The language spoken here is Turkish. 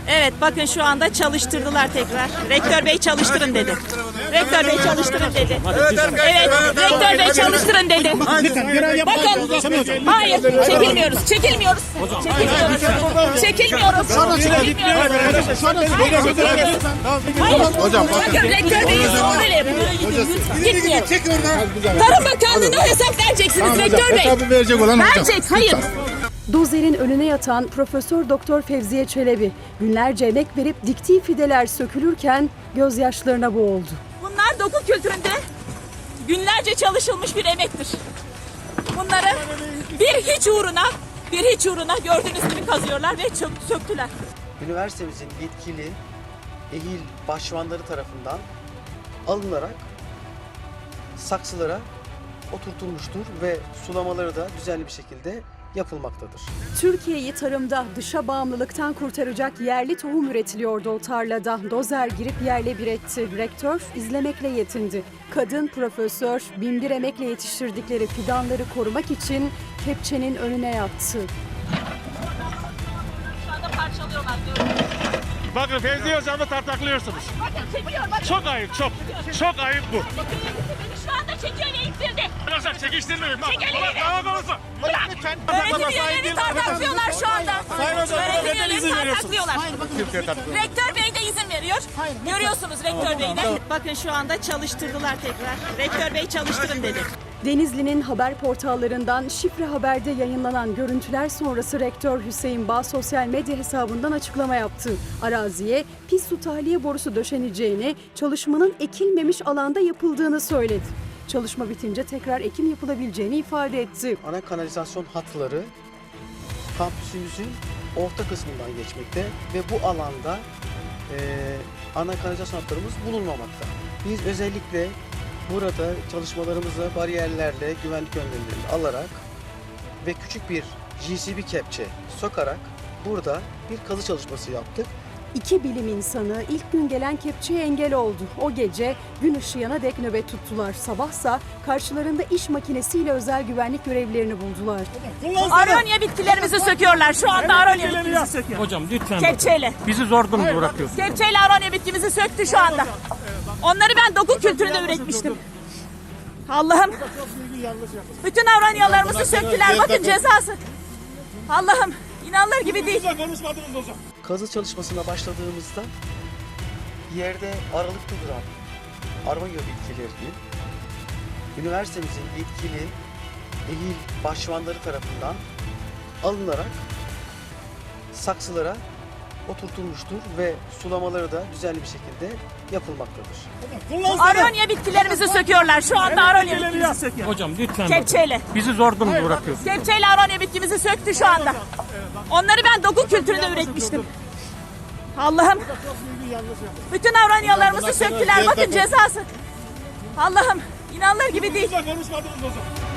Evet, bakın şu anda çalıştırdılar tekrar. Rektör Bey çalıştırın dedi. Rektör Bey çalıştırın dedi. Evet, Rektör Bey çalıştırın dedi. Bakın, hayır, çekilmiyoruz, çekilmiyoruz. Çekilmiyoruz. Hayır, bakın Rektör Bey böyle yapıyor. Gitmiyor. Tarım Bakanlığı'na hesap vereceksiniz Rektör Bey. Verecek, hayır. Dozer'in önüne yatan Profesör Doktor Fevziye Çelebi günlerce emek verip diktiği fideler sökülürken gözyaşlarına boğuldu. Bunlar doku kültüründe günlerce çalışılmış bir emektir. Bunları bir hiç uğruna gördüğünüz gibi kazıyorlar ve söktüler. Üniversitemizin yetkili ehil başvanları tarafından alınarak saksılara oturtulmuştur ve sulamaları da düzenli bir şekilde yapılmaktadır. Türkiye'yi tarımda dışa bağımlılıktan kurtaracak yerli tohum üretiliyordu o tarlada. Dozer girip yerle bir etti. Rektör izlemekle yetindi. Kadın profesör binbir emekle yetiştirdikleri fidanları korumak için kepçenin önüne yattı. Şu anda parçalıyorlar diyorum. Bakın Fevziye Hocam'ı tartaklıyorsunuz. Bakın çekiyor, bakın. Çok ayıp, çok. Çok ayıp bu. Beni şu anda çekiyor ve ittirdi. Arkadaşlar çekiştirmeyin. Bak, Çek elini. dava konusu. Lütfen. Öğretim üyelerini tartaklıyorlar şu anda. Sayın Hocam, Öğretim neden izin üyelerini veriyorsunuz? tartaklıyorlar. Rektör Bey de izin veriyor. Görüyorsunuz Rektör Bey de. Bakın şu anda çalıştırdılar tekrar. Rektör Bey çalıştırın dedi. Denizli'nin haber portallarından Şifre Haber'de yayınlanan görüntüler sonrası Rektör Hüseyin Bağ sosyal medya hesabından açıklama yaptı. Araziye pis su tahliye borusu döşeneceğini, çalışmanın ekilmemiş alanda yapıldığını söyledi. Çalışma bitince tekrar ekim yapılabileceğini ifade etti. Ana kanalizasyon hatları kampüsümüzün orta kısmından geçmekte ve bu alanda ana kanalizasyon hatlarımız bulunmamakta. Biz özellikle burada çalışmalarımızı bariyerlerle, güvenlik önlemlerini alarak ve küçük bir GCB kepçe sokarak burada bir kazı çalışması yaptık. İki bilim insanı ilk gün gelen kepçeye engel oldu. O gece gün ışıyana dek nöbet tuttular. Sabahsa karşılarında iş makinesiyle özel güvenlik görevlilerini buldular. Aronya bitkilerimizi söküyorlar. Şu anda aronya bitkimizi söküyor. Hocam lütfen. Kepçeyle. Bizi zor durumda bırakıyorsunuz. Kepçeyle aronya bitkimizi söktü şu anda. Onları ben doku kültüründe üretmiştim. Allah'ım. Bütün aronyalarımızı söktüler. Bakın cezası. Allah'ım. İnanılır gibi değil. Konuşmadınız hocam. Kazı çalışmasına başladığımızda yerde aralıkta duran aronya bitkilerini üniversitemizin yetkili ehil başvanları tarafından alınarak saksılara oturtulmuştur ve sulamaları da düzenli bir şekilde yapılmaktadır. Aronya bitkilerimizi söküyorlar. Şu anda aronya bitkimizi söküyor. Hocam lütfen. Kepçeyle. Bizi zor durumda bırakıyorsunuz. Kepçeyle aronya bitkimizi söktü şu anda. Onları ben doku kültüründe üretmiştim. Allah'ım. Bütün aronyalarımızı söktüler. Bakın cezası. Allah'ım. İnanılır gibi değil. Konuşmadınız hocam.